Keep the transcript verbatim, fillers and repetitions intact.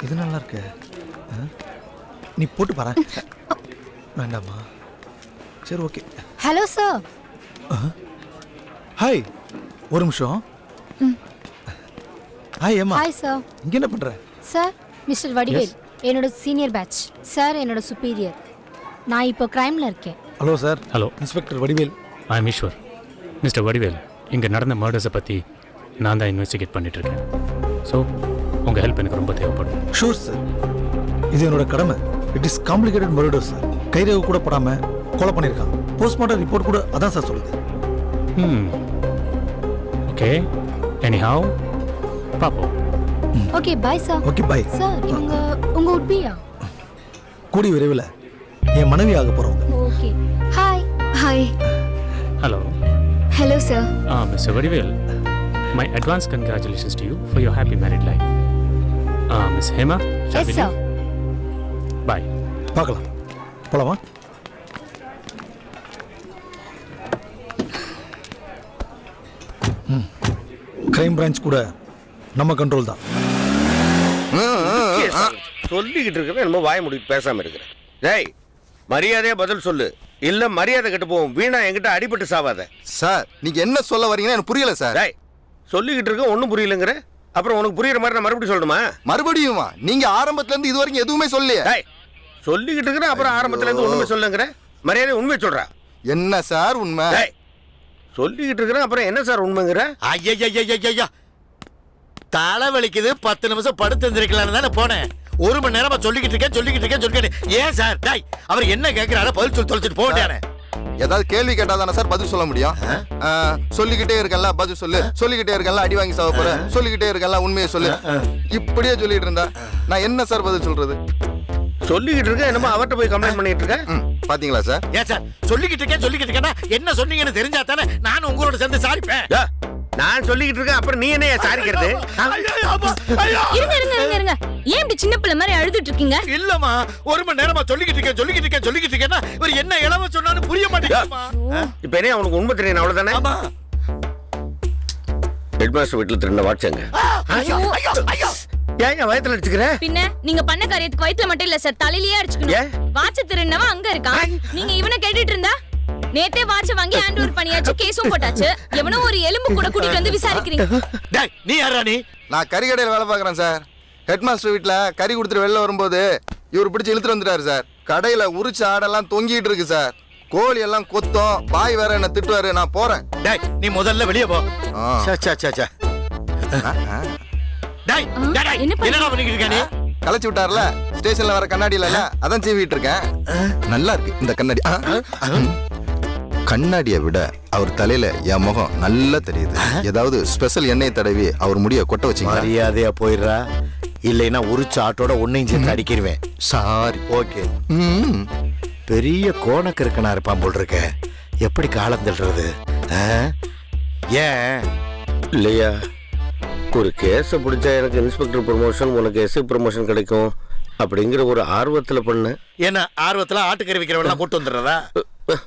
இது நல்லா இருக்கு. நீ போட்டு பாரு. வேண்டாமா? சரி ஓகே. Hello sir. ஹாய். ஒரு நிமிஷம். ஹாய் ஏமா. Hi sir. இங்க என்ன பண்ற? சார் மிஸ்டர் வடிவேல் என்னோட சீனியர் பேட்ச். சார் என்னோட சுப்பீரியர். நான் இப்போ கிரைம்ல இருக்கேன். Hello sir. Hello inspector Vadivel. I am Eswar. Mister Vadivel, இங்கே நடந்த மர்டர்ஸை பற்றி நான் தான் இன்வெஸ்டிகேட் பண்ணிகிட்ருக்கேன். ஸோ உங்கள் ஹெல்ப் எனக்கு ரொம்ப தேவைப்படும். ஷூர் சார், இது என்னோட கடமை. It is complicated murder sir. கைரேகை கூட போடாமல் கொலை பண்ணியிருக்கான். போஸ்ட்மார்ட்டம் ரிப்போர்ட் கூட அதான் சார் சொல்லுது. ம் ஓகே, எனி ஹவ் பாப்போம். Okay bye sir. Okay bye sir. இவங்க உங்க உட்பியா? கூடி விரைவில் என் மனைவி ஆக போகிறவங்க. Okay. Hi. Hi. Hello. Hello sir. Ah mister Vadivel, my advance congratulations to you for your happy married life. Uh, Miss Hema, shall yes we sir. leave? Bye. பார்க்கலாம். போலாமா? கிரைம் பிரான்ச் கூட நம்ம கண்ட்ரோல் தான். சொல்லிக்கிட்டு இருக்கிற நம்ம வாய முடிவு பேசாம இருக்கிறேன். டேய், மரியாதையா பதில் சொல்லு, இல்ல மரியாதை கெட்டு போவோம். வீணா என்கிட்ட அடிபட்டு சாவாத. சார் நீங்க என்ன சொல்ல வரீங்கன்னு எனக்கு புரியல சார். டேய், சொல்லிக்கிட்டு இருக்க ஒன்றும் புரியலங்கிற, அப்புறம் உனக்கு புரியுற மாதிரி நான் மறுபடியும் சொல்லணுமா? மறுபடியுமா? நீங்க ஆரம்பத்துல இருந்து இது வரைக்கும் எதுவுமே சொல்லலையே. டேய், சொல்லிக்கிட்டு இருக்கிற அப்புறம் ஆரம்பத்துல இருந்து ஒண்ணுமே சொல்லுங்கிற, மரியாதை உண்மை சொல்றா. என்ன சார் உண்மை? டேய், சொல்லிக்கிட்டு இருக்கிற அப்புறம் என்ன சார் உண்மைங்கிற? ஐயா தலை வலிக்குது, பத்து நிமிஷம் படுத்து இருந்திருக்கலான்னு தானே போனேன். ஒரு மணி நேரமா சொல்லிக்கிட்டு இருக்கேன் சொல்லிக்கிட்டு இருக்கேன் சொல்லிக்கிட்டு ஏன் சார்? டாய், அவர் என்ன கேட்கிறாரோ பதில் சொல்லி தொலைச்சிட்டு போட்டானே. ஏதாவது கேள்வி கேட்டா தானே சார் பதில் சொல்ல முடியும். சொல்லிக்கிட்டே இருக்கல பதில் சொல்லு, சொல்லிக்கிட்டே இருக்கல அடி வாங்கி சாவ போற, சொல்லிக்கிட்டே இருக்கல உண்மையை சொல்லு, இப்படியே சொல்லிட்டு இருந்தா நான் என்ன சார் பதில் சொல்றது? சொல்லிக்கிட்டு இருக்க என்னமோ அவர்கிட்ட போய் கம்ப்ளைண்ட் பண்ணிட்டு இருக்க. பாத்தீங்களா சார்? ஏன் சார் சொல்லிக்கிட்டு இருக்கேன் சொல்லிக்கிட்டு இருக்கேன்னா என்ன சொன்னீங்கன்னு தெரிஞ்சா தானே நானும் உங்களோட சேர்ந்து சாரிப்பேன். நான் சொல்லிக்கிட்டு இருக்கேன், அப்புறம் நீ என்ன சாரிக்கிறது? இருங்க இருங்க இருங்க இருங்க ஏன் இப்படி சின்ன பிள்ளை மாதிரி அழுதுட்டு இருக்கீங்க? இல்லம்மா, ஒரு மணி நேரமா சொல்லிக்கிட்டு இருக்கேன் சொல்லிக்கிட்டு இருக்கேன் சொல்லிக்கிட்டு இருக்கேன்னா இவர் என்ன இளவ சொன்னாலும் புரிய மாட்டேங்குதுமா. இப்ப என்ன உனக்கு உண்மை தெரியும் அவ்வளவுதானே? ஆமா. ஹெட்மாஸ்டர் வீட்டுல திருந்த வாட்சங்க. ஏன் என் வயத்துல அடிச்சுக்கிற? பின்ன நீங்க பண்ண காரியத்துக்கு வயித்துல மட்டும் இல்ல சார், தலையிலேயே அடிச்சுக்கணும். வாட்ச திருநவன் அங்க இருக்கான், நீங்க இவனை கேட்டுட்டு இருந்தா நேத்தே வாட்ச வாங்கி ஹேண்ட் ஓவர் பண்ணியாச்சு, கேஸும் போட்டாச்சு. எவனோ ஒரு எலும்பு கூட கூட்டிட்டு வந்து விசாரிக்கிறீங்க. டேய், நீ யாரா நீ? நான் கறி கடையில் வேலை பார்க்குறேன் சார். ஹெட் மாஸ்டர் வீட்டில் கறி கொடுத்துட்டு வெளில வரும்போது இவர் பிடிச்சி இழுத்துட்டு வந்துட்டாரு சார். கடையில் உரிச்ச ஆடெல்லாம் தொங்கிட்டு இருக்கு சார். கோழி எல்லாம் கொத்தம், பாய் வேற என்ன திட்டுவாரு. நான் போறேன். டேய், நீ முதல்ல வெளியே போ. சே சே சே சே. டேய், டேய், என்னடா பண்ணிக்கிட்டு இருக்க நீ? கலைச்சு விட்டார்ல ஸ்டேஷன்ல வர கண்ணாடி இல்ல, அதான் சீவிட்டு இருக்கேன். நல்லா இருக்கு இந்த கண்ணாடி. கண்ணாடியை விட அவர் தலையில என் முகம் நல்லா தெரியுது. ஏதாவது ஸ்பெஷல் எண்ணெய் தடவி அவர் முடிய கொட்ட வச்சு மரியாதையா போயிடுறா, இல்லைன்னா உரிச்ச ஆட்டோட ஒன்னையும் சேர்த்து அடிக்கிடுவேன். சாரி. ஓகே. பெரிய கோணக்கு இருக்கனா இருப்பான் போல் இருக்க. எப்படி காலம் தள்ளுறது? ஏன் இல்லையா, ஒரு கேஸை பிடிச்சா எனக்கு இன்ஸ்பெக்டர் ப்ரமோஷன், உனக்கு எஸ்ஐ ப்ரமோஷன் கிடைக்கும் அப்படிங்கிற ஒரு ஆர்வத்தில் பண்ண. என்ன ஆர்வத்தில் ஆட்டுக்கறி விற்கிறவெல்லாம் கூட்டு வந்துடுறதா?